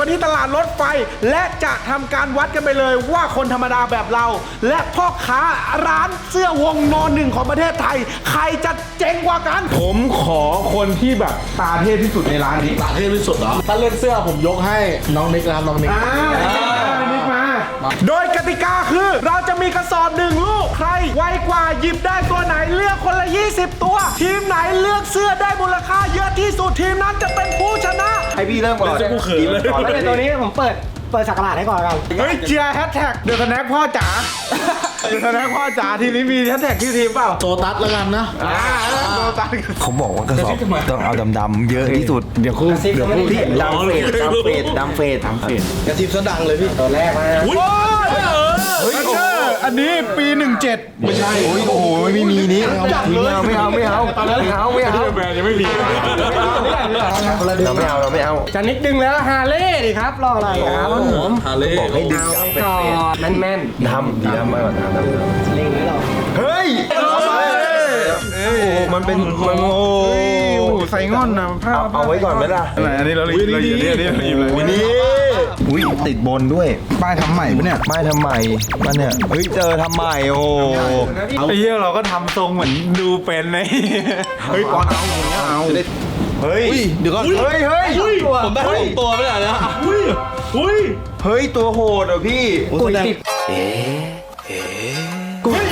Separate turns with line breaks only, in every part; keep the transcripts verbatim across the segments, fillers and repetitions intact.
กันที่ตลาดรถไฟและจะทำการวัดกันไปเลยว่าคนธรรมดาแบบเราและพ่อค้าร้านเสื้อวงนอนหนึ่งของประเทศไทยใครจะเจ๋งกว่ากันผมขอคนที่แบบตาเทพที่สุดในร้านนี้
ตาเทพที่สุดเหรอถ้าเล่นเสื้อผมยกให้น้องนิกนะครับน้องนิก
นิกมาโดยกติกาคือเราจะมีกระสอบหนึ่งลูกใครไวกว่าหยิบได้ตัวไหนเลือกคนละยี่สิบตัวทีมไหนเลือกเสื้อได้มูลค่าเยอะที่สุดทีมนั้นจะเป็นผู้ชนะ
ให้พี่เริ่มก่อน
จะกูเขินเลย
เป็นตัวนี้ผมเปิดเปิดสักการะให้ก่อนกัน
เฮ้ยเจียแฮชแท็กเดอะสแน็คพ่อจ๋าเดอะสแน็คพ่อจ๋าทีนี้มีแฮชแท็กที่ทีมเปล่า
โซตัสแล้วกันนะ
โซตัส
เขาบอกว่ากระสอบต้องเอาดำๆเยอะที่สุด
เดี๋ยวคู่
เดี๋ยว
พี่ดำเฟดดำเฟดดำเฟดดำเฟด
กระทิบซะดังเลยพี่
ตัวแรกมา
โอ้ยเฮ้ยอันนี้ปีหนึ่งเจ็ด
ไม่ใช่
โอ้ยโอ้โหไม่มีนี้ไม่เอาไม่เอาไม่เอาไม่เอาไม่เอา
แบรนด์ยังไม่มี
เราไม่เอาเราไม่เอา
จะนิดดึงแล้วฮาเล่ดิครับรออะไรครับผม
ฮาเล่
บอกให้ดึง
เอาไปก่อนแม่นแม่น
ดำดีดำมากกว่าดำดำ
เล่งนี้หรอ
เฮ้ยโอ้มันเป็นมันโอ้
ใส่ง่อนนะผ้า
เอาไว้ก่อนไหมล่ะ
อะไรอันนี้เราเราอยู่นี่นี่เราอยู่
เลยนี่อุ้ยติดบนด้วย
ป้ายทำใหม่ปะเนี่ย
ป้ายทำใหม่มันเนี่ยเฮ้ยเจอทำใหม่โอ้
ไอ้เหี้ยเราก็ทำทรงเหมือนดูเป็นไงเฮ้ยปอนเอาเอา
เฮ้ย
เดี๋ยวก่อน
เฮ้ยเฮ้ย
ผมได้สองตัวไม่ได้นะ
อุ้ยอุ้ย
เฮ้ยตัวโหดอ่ะพี่
กุยติด
เอ๊ะเอ๊ะ
กุย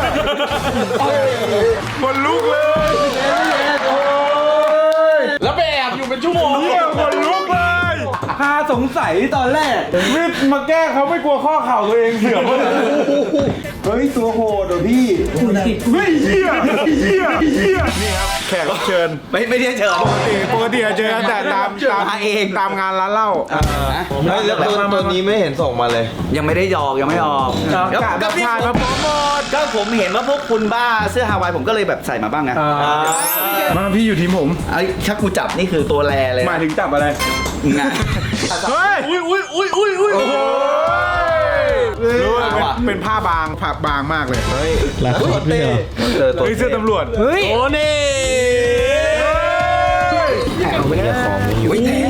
คนลุกเลย
แล้วไปแอบอยู่เป็นชั่วโมง
คนลุกเลยพาสงสัยตอนแรกวิทมาแก้เขาไม่กลัวข้อเข่าตัวเองเสื่อม
เฮ้ยตัวโหดอ่ะพี่
ไม่เหี้ยเหี้ยเหี้ยนี่ครับแขกรับเชิญ
ไม่ไม่ได้เชิญ
ปกติปกติเจอแต่ตามตามเองตามงานร้านเหล้า
เฮ้ยแล้วตัวนี้ไม่เห็นส่งมาเลย
ยังไม่ได้หยอกยังไม่ออก
ก็ผ่านมาโปรโมท
ก็ผมเห็นว่าพวกคุณบ้าเสื้อฮาวายผมก็เลยแบบใส่มาบ้างไง
มาพี่อยู่ทีมผม
ไอ้ถ้ากูจับนี่คือตัวแรเลย
หมายถึงจับอะไรเฮ้ย
อุ้ยอุ้ยอุ้ยอุ้ยอุ้ยโอ้โห
รู้ว่าเป็นผ้าบางผ้าบางมากเลย
เฮ้ย
แล้วเต้เฮ้ยเสื้อตำรวจ
เฮ้ย
โอ้นี่
แถมไม่ได้ของอยู่
แถม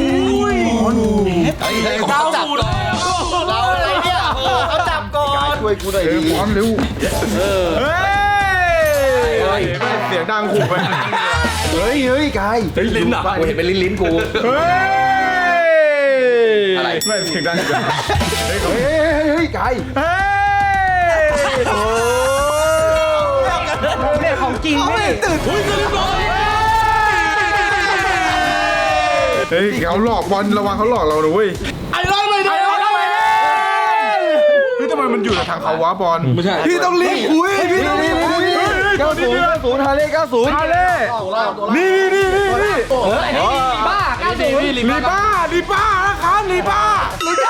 เราจับก่อนเราอะไรเนี่ยเขาจับก่อน
ช่วยกูหน่อยดิ
พร้อมเร็วเฮ้ยเสียงดังขู่ไป
เฮ้ยเฮ้ยกาย
เฮ้ยลิ้นอ่ะกูเห็นเป็นลิ้นลิ้นกู
เฮ้ย
อะไร
ไม่เสียงดังเ
ฮ้ยเฮ้ยเฮ้ยกาย
เฮ้ยโอ้
เนี่ยของจริงไม่
ตื่นเฮ้ยจะรีบร้อยเฮ้ยเขาหลอกบอลระวังเขาหลอกเรานะเว้ย
ไอ้ร้อยไม่ได้ไอ้ร้อยไม่ได้
เฮ้ยทำไมมันอยู่ในทางเขาวะบอล
ไม่ใช่
พี่ต้องรีบคุยพี่ต้องรีบคุยเก้าศูนย์เก้าศูนย์ฮาเล่เก้าศูนย์
ฮาเล่นี่นี่นี่นี่
เฮ้ยบ้าเก้าศูนย์
ลีบ้าลีบ้านะครับลีบ้ารู้จัก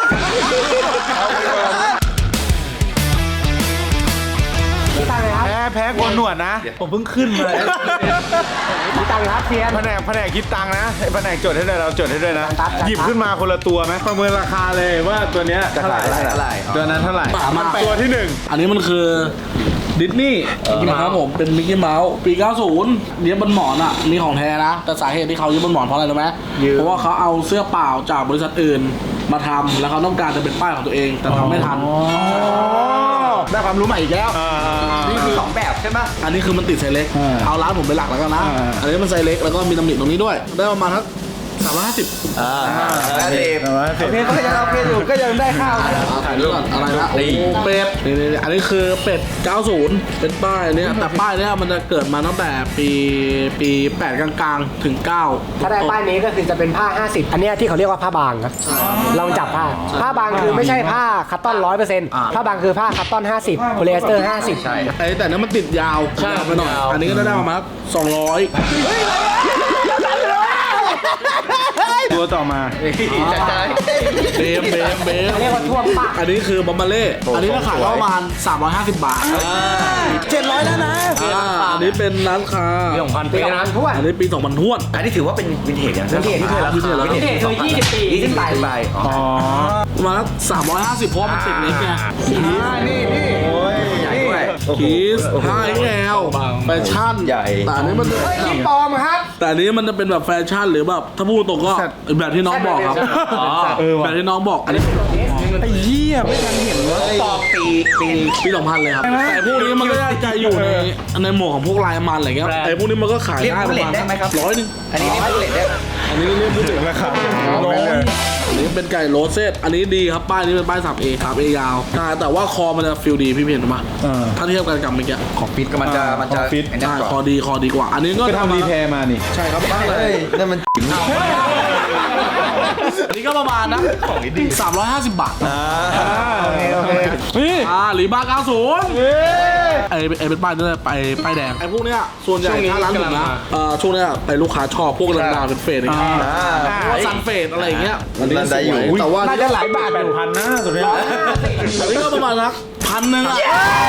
แพ้แพ้คนหนวดนะผมเพิ่งขึ้นมา
คิดตังค์ครับเซียน
แผนกแผนกคิดตังค์นะแผนกจดให้ด้วยเราจดให้ด้วยนะหยิบขึ้นมาคนละตัวไหมประเมินราคาเลยว่าตัวเนี้ยเท่าไหร่ตัวนั้นเท่าไหร่ตัวที่หนึ่ง
อันนี้มันคือดิสนีย์นะครับผมเป็นมิกกี้เมาส์ปีเก้าสิบเย็บบนหมอนอ่ะนี่ของแท้นะแต่สาเหตุที่เขาเย็บบนหมอนเพราะอะไรรู้ไหมเพราะว่าเขาเอาเสื้อเปล่าจากบริษัทอื่นมาทำแล้วเขาต้องการจะเป็นป้ายของตัวเองแต่ทำไม่ทัน
ได้ความรู้ใหม่อีกแล้ว
นี่คือสองแบบใช่ไหม
อันนี้คือมันติดไซเล็กเอาร้านผมเป็นหลักแล้วกันนะอันนี้มันไซเล็กแล้วก็มีตำหนิตรงนี้ด้วยได้ประมาณทักสามร้อยห้าสิบ
อ่าโอเค
โอเคก็ยังโอเคอยู่ก็ยังได้ข้าว
ถ่ายรูปก่อนอะไรนะเป็ดอันนี้คือเป็ดเก้าสิบเป็นป้ายเนี้ยแต่ป้ายเนี้ยมันจะเกิดมาตั้งแต่ปีปีแปดกลางๆถึงเก้า
ถ้าได้ป้ายนี้ก็คือจะเป็นผ้าห้าสิบอันนี้ที่เขาเรียกว่าผ้าบางครับลองจับผ้าผ้าบางคือไม่ใช่ผ้าคัตตอนร้อยเปอร์เซ็นต์ผ้าบางคือผ้าคัตตอนห้าสิบโพลีเอสเตอร์ห้าสิบ
ใช่
ไอ้แต่นั้นมันติดยาวข้ามไปหน่อยอันนี้ก็ได้ประมาณสองร้อย
ตัวต่อมา
เบมเบมเบม
เรียกว่าท่วมปาก
อันนี้คือบอมบาเล่อันนี้ราคาประมาณสามร้อยห้าสิบบาท
เจ็ดร้อยแล้วนะ
อันนี้เป็นร้านค้า
ปีสองพันปีนะท้วน
อันนี้ปีสองพันท้วน
อันนี้ถือว่าเป็นวินเทจอย่าง
วินเทจที่เคยรับวินเทจวินเทจคือยี่สิบปีขึ้นไป
อ๋อ
ประมาณสามร้อยห้าสิบเพราะมันติดเล็กไง
นี่นี่นี่โอ้ยใหญ่ด้วย
คีสห้า เอ็กซ์ แอล แฟชั่น
ใหญ่
แต่อันนี้มัน
นี่ปลอมครับ
แต่อันนี้มันจะเป็นแบบแฟชั่นหรือแบบถ้าพูดตรงก็แบบที่น้องบอกครับ
เออ
แบ
ว่ะ
บที่น้องบอกอันนี้
ไอ้เหี้ยไม่ทันเห็นวะ
ตอบปีปี
ปีสองพันเลยครับแต่พวกนี้มันก็จะอยู่ในในหมวกของพวกลายมันอะไรเงี้ยไอ้พวกนี้มันก็ขาย
เรียก
ได้ป
ผู้
ระ
เล่น
มาณ
ได้ไหมครับ
ร้อยหนึง
อันนี้เรียกผู้เล่นได้ไหม
อันนี้เรียกพูดถึง
ราคา
ร้อยอันนี้เป็นไก่โรสเซตอันนี้ดีครับป้ายนี้เป็นป้าย สาม เอ สาม เอ ยาวใช่แต่ว่าคอมันจะฟิลดีพี่เห็นปะ
เออ
ถ้าเทียบกันกับเมื่อกี้
ของฟิตก็มันจะมันจะ
ของฟิต
ไอ้นั่น
ใช่
กว่า
คอดีคอดีกว่า อันนี้ก็
ไปทำรีแพร์มานี่
ใช่ครับบ้างเลย
นั่นมัน
อันนี้ก็ประมาณนะของดีสามร้อยห้าสิบบาท
โอเคโอเคนี่
อ่าหรีบ้าเก้าสิบ
เอ้ย
ไอ้ไอ้เป็นป้ายนี่ไปป้ายแดงไอ้พวกเนี้ยส่วนใหญ่ถ้าร้านผมนะเอ่อช่วงเนี้ยไปลูกค้าชอบพวกดังๆเป็นเฟสอย่างเงี้ยพวกซันเฟสอะไรอย่างเงี้ยอันนี้สวยแต่ว่า
น่าจะหลายบาทแปดพันนะตัวเนี้ย
อันนี้ก็ประมาณสักพันหนึ่งอ่ะ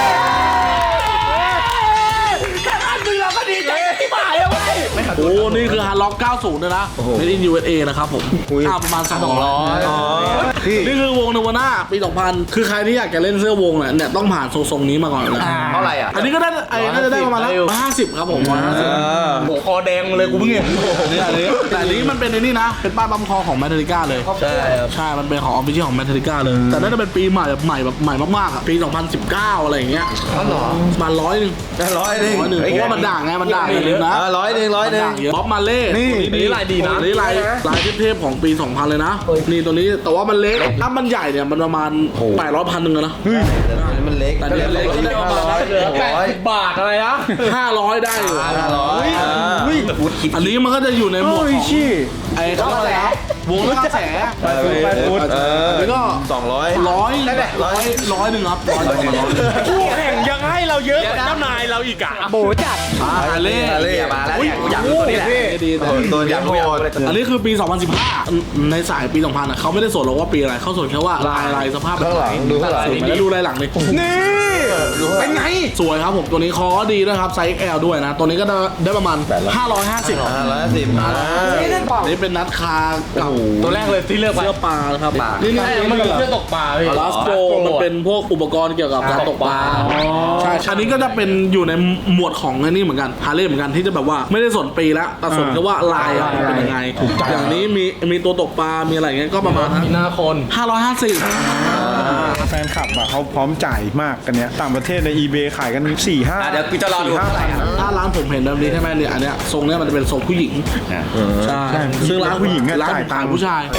โอ้นี่คือฮาร์ล็อกเก้าสิบเลยนะ Made in ยู เอส เอ นะครับผมอ่าประมาณสองร้อยนี่คือวงนวนาปีสองพันคือใครที่อยากจะเล่นเสื้อวงเนี่ยเนี่ยต้องผ่านทรงๆนี้มาก่อนนะ
เท่าไหร่อ่ะ
อันนี้ก็ได้ไอ้น่าจะได้ประมาณร้อยห้าสิบครับผมร้อยห้าสิบ
โหคอแดงเลยกูเพิ่งเห็น
อันนี้อันนี้แต่อันนี้มันเป็นในนี่นะ เป็นป้ายบัมคอของแมทเทอริก้าเลย
ใช่ครับ
ใช่ มันเป็นของออฟฟิเชียลของแมทเทอริก้าเลย แต่น่าจะเป็นปีใหม่แบบใหม่แบบใหม่มากๆอ่ะ ปี สองพันสิบเก้า อะไรอย่างเงี้ย
อ๋อเหรอ
ประมาณร้อยหนึ่ง
ร้อยหนึ่ง
ร้อยหนึ่งเพราะว่ามันด่างไง มันด่างเลยนะ
อ่าร้อยหนึ่งร้อยหนึ่ง
บ๊อบมาเล่
นี่
นี่ลายดีนะนี่ลายลายเทพๆของปี สองพัน เลยนะ นี่ตัวนี้ แต่ว่ามันเล็ก ถ้ามันใหญ่เนี่ย มันประมาณแปดร้อยพันหนึ่งอะนะ
มันเล็ก
แต่เนี่ยเล็กก็ได้ประมาณนั้น
แปดสิบบาทอะไรนะ
ห้าร้อยได้อยู่
ร้อย
อันนี้มันก็จะอยู่ในหมวดของไอ้เขาเรียกอะไรนะวงแล้วกระแส
ไปฟุต
เออ
แล้วก็
สองร้อย
ร้อยร้อยร้อยหนึ่งครับร้อยหนึ่งร้อย
คู่แข่งยังให้เราเยอะกว่าเจ้านายเราอีกอ่ะ
โบจัด
อ่าฮาเล่
เรียมาแล้วเนี่ยกูอยากรู้ตัวนี้แหละ
ดีแต่
ตัวนี้โหด
อันนี้คือปี สองพันสิบห้า ในสายปี สองพัน อ่ะเขาไม่ได้สนหรอกว่าปีอะไรเขาสนแค่ว่าลายลายสภาพแบบ
ข้างห
ไหน
ลังดูข้างหลัง
สวยไหมแล้วดูลายหลังเลย
นี่เป็นไง
สวยครับผมตัวนี้คอดีด้วยครับไซส์ เอ็กซ์ แอล ด้วยนะ ตัวนี้ก็ได้ได้ประมาณ ห้าร้อยห้าสิบ
ห้าร้อยห้าสิบ
นี่นั่นบอก
นี่เป็นนัดคากับ
ตัวแรกเลยที่เลือกไป
เสื้อปลานะครับนี่นี่
มันคือเสื้อตกปลาพี่
ลาสโปมันเป็นพวกอุปกรณ์เกี่ยวกับการตกปลาใช่อันนี้ก็จะเป็นอยู่ในหมวดของไอ้นี่เหมือนกันฮาร์เลย์เหมือนกันที่จะแบบว่าไม่ได้สนปีแล้วแต่สนแค่ว่าลายอะมันเป็นยังไงอย่างนี้มีมีตัวตกปลา มีอะไรอย่างเงี้ยก็ประมาณ
หน้าคน
ห้าร้อยห้าสิบ
แฟนคลับอ่ะเขาพร้อมจ่ายมากกันเนี้ยต่างประเทศใน eBay ขายกันสี่ห้า
อ่ะเดี๋ยวกูจะรอดู
สี่ห้า
เท่าไหร่อ่ะ
ถ้าร้านผมเห็นแบบนี้ใช่ไหมเนี่ยอันเนี้ยทรงเนี้ยมันจะเป็นทรงผู้หญิงใช่ซึ่งร้าน
ผู้หญิงอะ
ร้าน
จ่าย
ขายผู้ชาย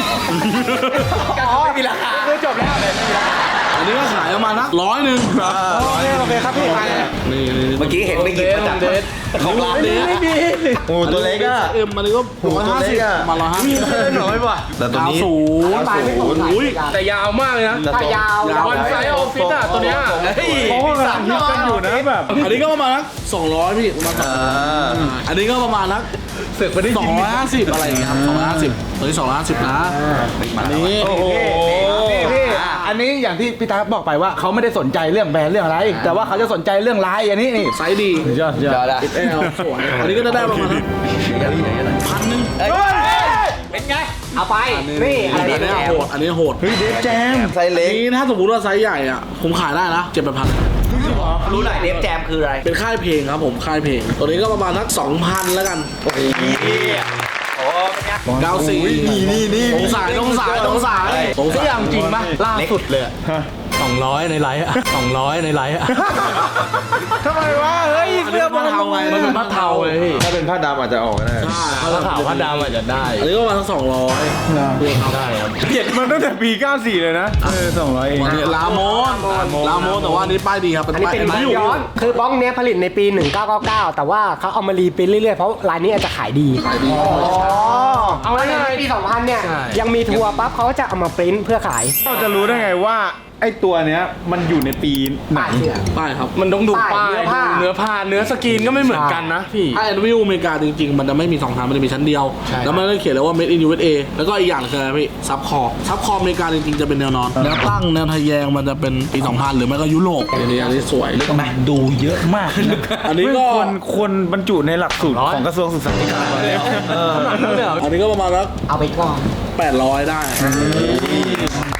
ไม่มีราคา
คือจบแล้วเลย
อันนี้ก็ขายประมาณนักร้อยหนึ่ง
โอเคโอเคครับพี่
นี่นี่
เมื่อกี้เห็นไปหยิบมาจากของร้าน
เดส
โอ้ตัวเล็กอ่ะ
เอ็มมันก็ร้อยห้าสิบมาร้อยห้าสิบ
น้อยป่ะแต่ตัว
เก้า
นี้
ศูนย์
ตายไม่ตก
อุ้ย
แต่ยาวมากเลยนะ
ถ้ายาว
ยาว
วันไซส์ออฟฟิศอ่ะตัวเนี้ย
เขาก็กำลังฮิตกันอยู่นะแบบ
อันนี้ก็ประมาณนักสองร้อยพี่ประมาณสองร้อยอันนี้ก็ประมาณนัก
เสือกไปได้
สอง
ยิน
ร้อยห้าสิบอะไรอย่างเงี้ยครับสองร้อยห้าสิบตัวนี้สองร้อยห้าสิบนะอันนี้
โอ้โห
พี่อันนี้อย่างที่พี่ตาบอกไปว่าเขาไม่ได้สนใจเรื่องแบรนด์เรื่องอะไร แต่ว่าเขาจะสนใจเรื่องลายอันนี้นี่
ไซส์ดี
ยอดยอด
เดี๋ยวละ
เอ็กซ์ แอล สวยอันนี้ก็จะได้ประมาณนักพันหนึ่ง
เป็นไง
เอาไปนี่อะ
อัน
ไร
นี้
เนี่ย
โหดอันนี้โหด
เฮ้ยเดฟแจม
ไซส์เล็ก
นี่ถ้าสมมติว่าไซส์ใหญ่อ่ะผมขายได้นะเจ็ดแปดพัน
รู้หน่อยเดฟแจมคืออะไร
เป็นค่ายเพลงครับผมค่ายเพลง ตัวนี้ก็ประมาณนักสองพันแล้วกัน
โอ้เป็นไง
เก้าสี่
นี่นี่นี่
ตรงสายตรงสายตรงสายตรง
ที่
สาย
อย่างจริงปะล่าสุดเลยสองร้อยในไลฟ์อะสองร้อยในไลฟ์อะ
ทำไมวะเฮ้ย
อันนี้ก็มาเทาไง
มันเป็นผ้าเทาเลยพี่
ถ้าเป็นผ้าดำอาจจะออกก็ได้
ใช่
ผ้าขาวผ้าดำอาจจะได้
อันนี้ก็ประมาณสองร้อย
ได้ครับ
เกลียดมันตั้งแต่ปีเก้าสี่เลยนะเออสองร้อยเอง
อันนี้ลาโมนลาโมนแต่ว่าอันนี้ป้ายดีครับ เป็น
อันนี้
ป้าย
เป็น
ไม่
บ้าน
อยู่
ย้อนคือบ้องเนี้ยผลิตในปี หนึ่งเก้าเก้าเก้า แต่ว่าเขาเอามารีปรินท์เรื่อยๆ เพราะลายนี้อาจจะขายดี
ขายดี
เอาไว้ในปี สองพัน เนี่ย ยังมีทัวร์ปั๊บเขาก็จะเอามาปริ้นท์เพื่อขาย
เราจะรู้ได้ไงว่าไอ้ตัวเนี้ยมันอยู่ในปีไหน
ป้ายเสื้อ
ป้ายครับ
มันต้องดู
ป้า
ป้าย ย
เนื้อผ้า
ดูเนื้อผ้าเนื้อสกรีนก็ไม่เหมือนกันนะพี่
ถ้าแอนวิวอเมริกาจริงๆ มันจะไม่มีสองชั้นมันจะมีชั้นเดียว
ใช่
แล้วมันก็เขียนเลยว่า made in ยู เอส เอ แล้วก็อีกอย่างคืออะไรพี่ซับคอซับคออเมริกาจริงๆ จะเป็นแนวนอน แนวตั้งแนวทะแยงมันจะเป็นปีสองพันหรือไม่ก็ยุโรปอันนี้อันนี้สวย
ดูเยอะมากนะ
อันนี้
ไม่
ก็
ควรควรบรรจุในหลักสูตรของกระทรวงศึกษาธิการ
อันนี้ก็ประมาณสัก
เอาไปก่อน
แปดร้อยได้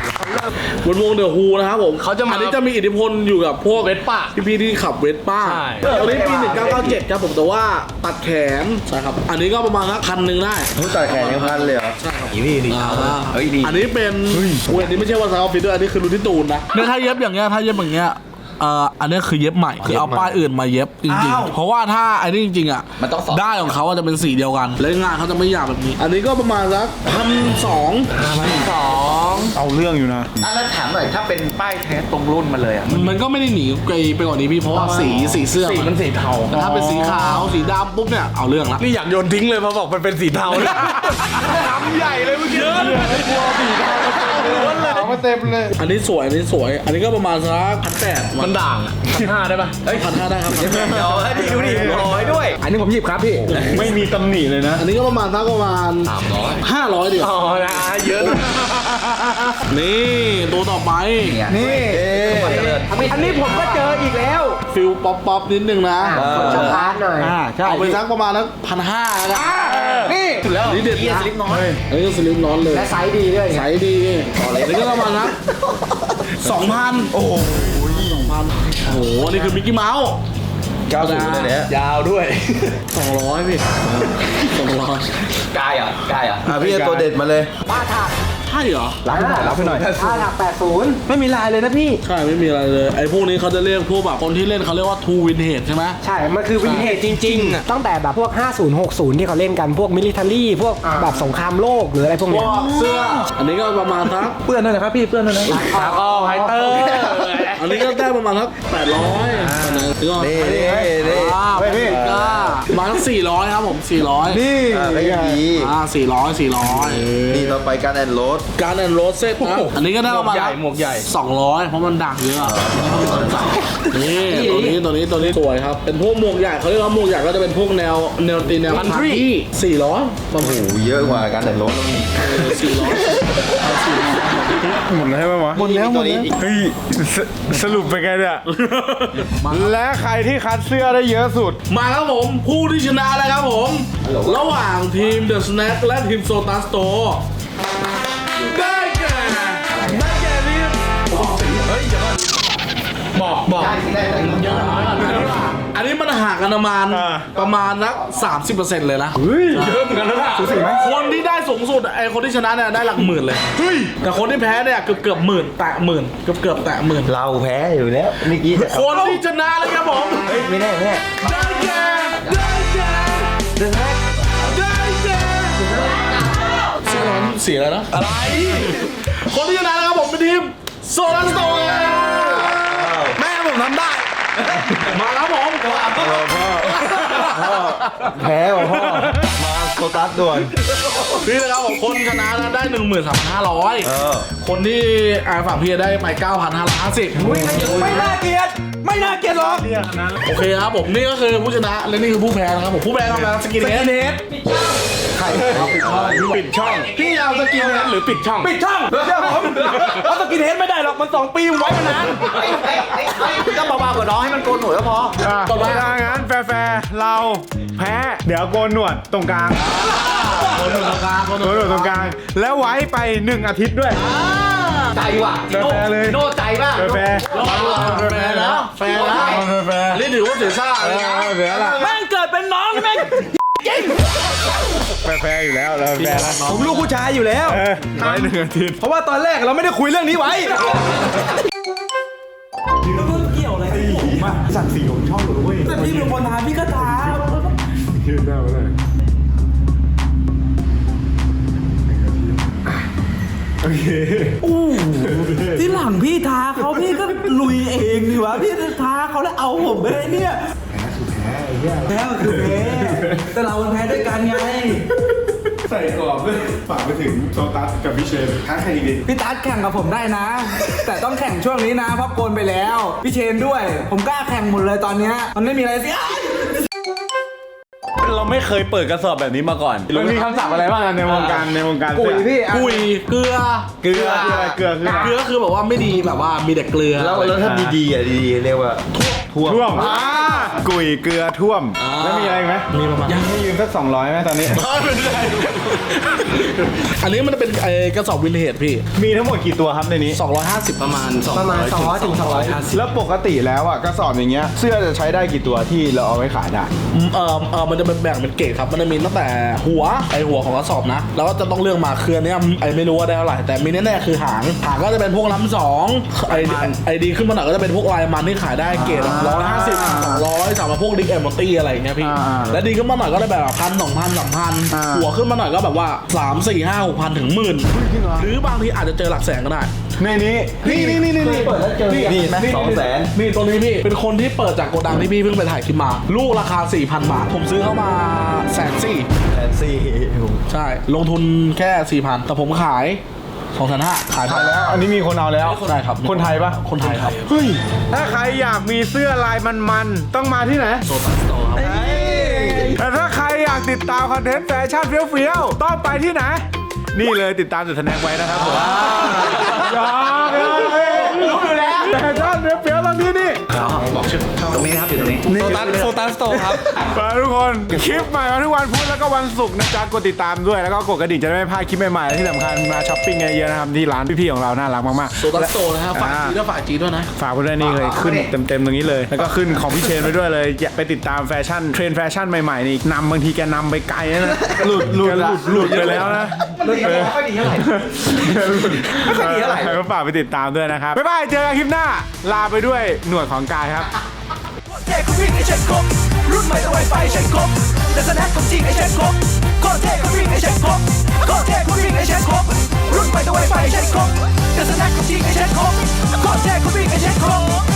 บนวงเดอะฮูนะครับผม
เขาจะมา
อันนี้จะมีอิทธิพลอยู่กับพวก
เวสป้า
พี่ๆที่ขับเวสป้า
ใช่
ตอนนี้ปีหนึ่งเก้าเก้าเจ็ดครับผมแต่ว่าตัดแขนใช่ครับอันนี้ก็ประมาณสักพันหนึ่งได้
รู้จักแขนยังพันเลยเหรอ
ใช่ครับ
อีนี่นี่
อ่า
เฮ้ยดี
อันนี้เป็นอุ้ยอันนี้ไม่ใช่ว่าซาออฟฟิศด้วยอันนี้คือรุ่นที่ตูนนะเนี่ยถ้าเย็บอย่างเงี้ยถ้าเย็บอย่างเงี้ยเอ่ออันนี้คือเย็บใหม่คือเอาป้ายอื่นมาเย็บจริงๆเพราะว่าถ้าอันนี้จริงๆอ่ะ
มันต้องสอบ
ได้ของเขาอะจะเป็นสีเดียวกันและงานเขาจะไม่หยาบแบบนี้ อันนี้ก็ประมาณสักพันสอง
สอง
เอาเรื่องอยู่นะ
อ่ะแล้วถามหน่อยถ้าเป็นป้ายแท้ตรงรุ่นมาเลยอ่ะ
มันก็ไม่ได้หนีไกลไปกว่านี้พี่เพราะว่าสีสีเสื้อ
สีมันสีเทา
แต่ถ้าเป็นสีขาวสีดำปุ๊บเนี่ยเอาเรื่องละ
นี่อยากโยนทิ้งเลยเพราะบอกมันเป็นสีเทาเลยทำใหญ่เลยเมื่อกี้เยอะเลยกลัวสีเทามาเต็มเลย
อันนี้สวยอันนี้สวย อันนี้ก็ประมาณสักพันแปด
มันด่างพันห้าได้ปะ
เอ้ยพันห้าได้ครับ
เดี๋ยวให้ดีดูดิร้อยด้วย
อันนี้ผมหยิบครับพี่
ไม่มีตำหนิเลยนะ
อันนี้ก็ประมาณสักประมาณห้าร้อยเดียว
อ๋อนะเยอะ
นี่ตัวต่อไป
นี่
อันนี้ผมก็เจออีกแล้ว
ฟิลป๊อปป๊อปนิดนึงนะ
ชอบพาร์ทหน่อย
อ่าใช่
เอาไปสักประมาณสักพันห้าแล้วกัน
นี่สุดแล้ว
อันนี้เด็ด
เฮีย
นะ
สลิปน้อย
อันนี้ก็สลิปน้อนเลย
และไซส์ดีด้วย
ใสดีอันนี้ก็ประมาณนะสองพันโอ้โหสองพันโอ้โหนี่คือมิกกี้เมาส์
เก้าสิบเลยเนี่ย
ยาวด้วย
สองร้อยพี่สองร้อย
กายอ่ะกายอ่ะอ่ะพี่ตัวเด็ดมาเลย
ป้าถัก
ใช่เหรอ
รับให้หน่อยรับให้หน่อย
ป้าถักแปดสิบ
ไม่มีลายเลยนะพี่
ใช่ไม่มีอะไรเลยไอ้พวกนี้เขาจะเรียกพวกแบบคนที่เล่นเขาเรียกว่า ทูวินเทจใช่ไหม
ใช่ มันคือวินเทจจริงๆ ตั้งแต่แบบพวก ห้าสิบ หกสิบ ที่เขาเล่นกัน พวกมิลิเทอรี่ พวกแบบสงครามโลกหรืออะไรพวก
พ
เนี้
วย กเสื้อ อันนี้ก็ประมาณสัก
เปื้อนด้วยนะครับพี่เปื้อนด้วยนะ
ตากอ้อไฮเตอร์
อันนี้ก็ได้ประมาณสักแปดร้อยอันนี้ก็
นี่นี่นี่
อ่า
เฮ้ยพี่
ก็ประมาณสักสี่ร้อยครับผมสี่ร้อย
นี่
อ่ะไม่ดี
อ่าสี่ร้อยสี่ร้อย
นี่ต่อไปการแอนโรส
การแอนโรสเซ็ตนะอันนี้ก็ได้ประมาณ
หมวกใหญ่หมวกใหญ่
สองร้อยเพราะมันดังเยอะนี่ตัวนี้ตัวนี้ตัวนี้สวยครับเป็นพวกหมวกใหญ่เขาเรียกว่าหมวกใหญ่ก็จะเป็นพวกแนวแนวตีแนวพันที่สี่ร้อยประมาณ
โอ้โหเยอะกว่าการแอนโรส
สี่ร้อยสี่ร้อย
หมดแล้วใช่ไหมวะ
หมดแล้วหมดแล้ว
เฮ้ยสสรุปเป็นไงเนี่ย และใครที่คัดเสื้อได้เยอะสุด
มาครับผมผู้ที่ชนะแล้วครับผม ระหว่างทีม The Snack และทีม Soda Store ได้แก่ได้แก่ทีม
บอกบอก
อันนี้มันห่างกันประมาณ
อ่า
ประมาณนักสามสิบเปอร์เซ็นต์เลยนะ
เยอะเหมือนกันนะ
คนที่ได้สูงสุดไอคนที่ชนะเนี่ยได้หลักหมื่นเลยแต่คนที่แพ้เนี่ยเกือบเกือบหมื่นแตะหมื่นเกือบเกือบแตะหมื่น
เราแพ้อยู่แล้วเมื่อกี้จะ
คนที่ชนะเลยครับผม
เฮ้ยไม่แน่ไม่แน่
ได้แก่ได้แก่ได้แก่เสียอะไรเสียอะไรนะอะไร คนที่ชนะนะครับผมเป็นทีมโซลัสโตร์แม่ผมทำได้ มาครับผม
แพ้ว่ะพ่อมาโซตัสด่วน
นี่นะครับผมคนชนะนะได้หนึ่งหมื่นสามพันห้าร้อย
เออ
คนที่อ่าฝั่งพี่ได้ไปเก้าพันห้าร้อยห้าสิบ
ไม่น่าเกลียดไม่น่าเกลียดหรอก
โอเคครับผมนี่ก็คือผู้ชนะและนี่คือผู้แพ้นะครับผมผู้แพ้ทำอะไรสกินเฮด
เนส
ปิดช่อง
พี่เอาสกินเฮดหรือปิดช่อง ปิดช่องเชื่อผมเอาสกินเฮดไม่ได้หรอกมันสองปีไว้มานาน
ก็เบาๆกว่าน้องให้มันโกนหนวดก็พอ
ต่อไปถ้างั้นแฟร์ๆเราแพ้ เดี๋ยวโกนหนวดตรงกลาง
คนหนึ่งตรงกลางคน
โกนหนวดตรงกลาง แล้วไว้ไปหนึ่งอาทิตย์ด้วย
ใจว่ะ
แฟร์ๆเลย
โน่ใจป่ะ
แฟร์
แฟร์แล้วแฟร์แล้ว
ๆแฟร์
อันนี้ถือว่าเสียซ่า
ๆเอ
เลยนะ
อเดี๋ยวล่ะ
แม่งเกิดเป็นน้องแม่ง
แฟร์ๆอยู่แล้วเราแฟร์แล้ว
ผมลูกผู้ชายอยู่แล้ว
เออไว้หนึ่งอาทิตย์
เพราะว่าตอนแรกเราไม่ได้คุยเรื่องนี้ไว้
สั่งสีของช่องหรือเว้ย
แต่พี่เป็นคนทำพี่ก็ท
ยืนได้เลยโอเค
ำที่หลังพี่ท้าเขาพี่ก็ลุยเองดีวะพี่ท้าเขาแล้วเอาผมไปเลยเนี่ยแพ้ก็คือแพ้แต่เราแพ้ด้วยกันไง
ใส่กรอบด้วยฝากไปถึงโซตัสกับพี่เชนท้าใครดี
พี่ตั๊ดแข่งกับผมได้นะ แต่ต้องแข่งช่วงนี้นะเพราะโกนไปแล้ว พี่เชนด้วย ผมกล้าแข่งหมดเลยตอนเนี้ยมันไม่มีอะไรเสิ
เราไม่เคยเปิดกระสอบแบบนี้มาก่อน
มันมีคำศัพท์อะไรบ้างในวงการในวงการ
กุย
เสื้อ
พี่
กุยเกลือ
เกลือคืออะไรเกลือคืออะไร
เกลือคือแบบว่าไม่ดีแบบว่ามีแต่เกลือ
แล้วแล้วถ้าดีๆอ่ะดีๆเรียกว่าท่วม
ท่วมอ่ากุยเกลือท่วม แล้วมีอะไรอีกไหมมีประมาณยังให้ยืมสักสองร้อยไหมตอนนี้
อันนี้มันจะเป็นไอ้กระสอบวินเทจพี่
มีทั้งหมดกี่ตัวครับในนี้
สองร้อยห้าสิบประมาณ
ประมาณสองร้อยถึงสองร้อย
แล้วปกติแล้วอ่ะกระสอบอย่างเงี้ยเสื้อจะใช้ได้กี่ตัวที่เราเอาไว้ขายได้
เออเออมันจะเป็นแบ่งเป็นเกรดครับมันจะมีตั้งแต่หัวไอหัวของกระสอบนะแล้วก็จะต้องเลือกมาเครือเนี้ยไอไม่รู้ว่าได้เท่าไหร่แต่มีแน่ๆคือหางหางก็จะเป็นพวกล้ำสองไอไอดีขึ้นมาหน่อยก็จะเป็นพวกลายมันที่ขายได้เกรดร้อยห้าสิบสองร้อยสำหรับพวกดิกแอมมอตี้อะไรอย่างเงี้ยพี่และดีขึ้นมาหน่อยก็ได้แบบพันสองพันสามพันหัวขึ้นมาหน่อยก็แบบว่าสามสี่ห้าหกพันถึงหมื่นหรือบางทีอาจจะเจอหลักแสนก็ได้
ในนี้นี่นี่นี่นี่
เปิดแล้วเจอ
นี่ไหมสองแสน
นี่ตัวนี้พี่เป็นคนที่เปิดจากโกดังที่พี่เพิ่งไปถ่ายคลิปมา ลูกราคา สี่พัน บาท ผมซื้อเข้ามาแสนสี่
แสนสี่
ใช่ ลงทุนแค่ สี่พัน แต่ผมขายสองพันห้าขาย
ขายแล้วอันนี้มีคนเอาแล้ว
ใช่ครับ
คนไทยปะ
คนไทยครับ
เฮ้ยถ้าใครอยากมีเสื้อลายมันๆต้องมาที่ไหนโซตัสโตครับแต่ถ้าใครอยากติดตามคอนเทนต์แฟชั่นเฟี้ยวๆต้องไปที่ไหนนี่เลยติดตามจุดทะแนกไว้นะครับผมยอมรู้อยู่แล้วแฟชั่นเฟี้ยวๆต้องที่นี่
บอกชื่อตรงนี้นะครับอยู่ตรงนี้
โซตัสโซตัสโตครับ
ฝากทุกคนคลิปใหม่มาทุกวันพุธแล้วก็วันศุกร์นะจ๊ะกดติดตามด้วยแล้วก็กดกระดิ่งจะได้ไม่พลาดคลิปใหม่ๆและที่สำคัญมาช้อปปิ้งกันเยอะๆนะครับที่ร้านพี่ๆของเราน่ารักมากๆ
โซตัสโตนะครับฝากจีด้วยฝากจีด้วยนะ
ฝากไว้ด้วยนี่เลยขึ้นเต็มๆตรงนี้เลย แล้วก็ขึ้นของพี่เชนไปด้วยเลยอย่าไปติดตามแฟชั่นเทรนด์แฟชั่นใหม่ๆนี่นำบางทีแกนำไปไกลนะหลุดหลุดหลุดหลุดไปแล้วนะ
มันดีไม่ค่อยดีเท่าไหร่ ไม่ค่อยดีเท่าไหร่
ก็ฝากไปติดตามด้วยนะครับบ๊ายบายเจอกันคลิปหน้าลาไปด้วยหนวดของกายครับ
เท่ก็วิ่งไอเช็คครบรุ่นใหม่ต้องไวไฟเช็คครบแต่สแน็คของจริงไอเช็คครบโคตรเท่ก็วิ่งไอเช็คครบโคตรเท่ก็วิ่งไอเช็คครบรุ่นใหม่ต้องไวไฟเช็คครบแต่สแน็คของจริงไอเช็คครบโคตรเท่ก็วิ่งไอเช็คครบ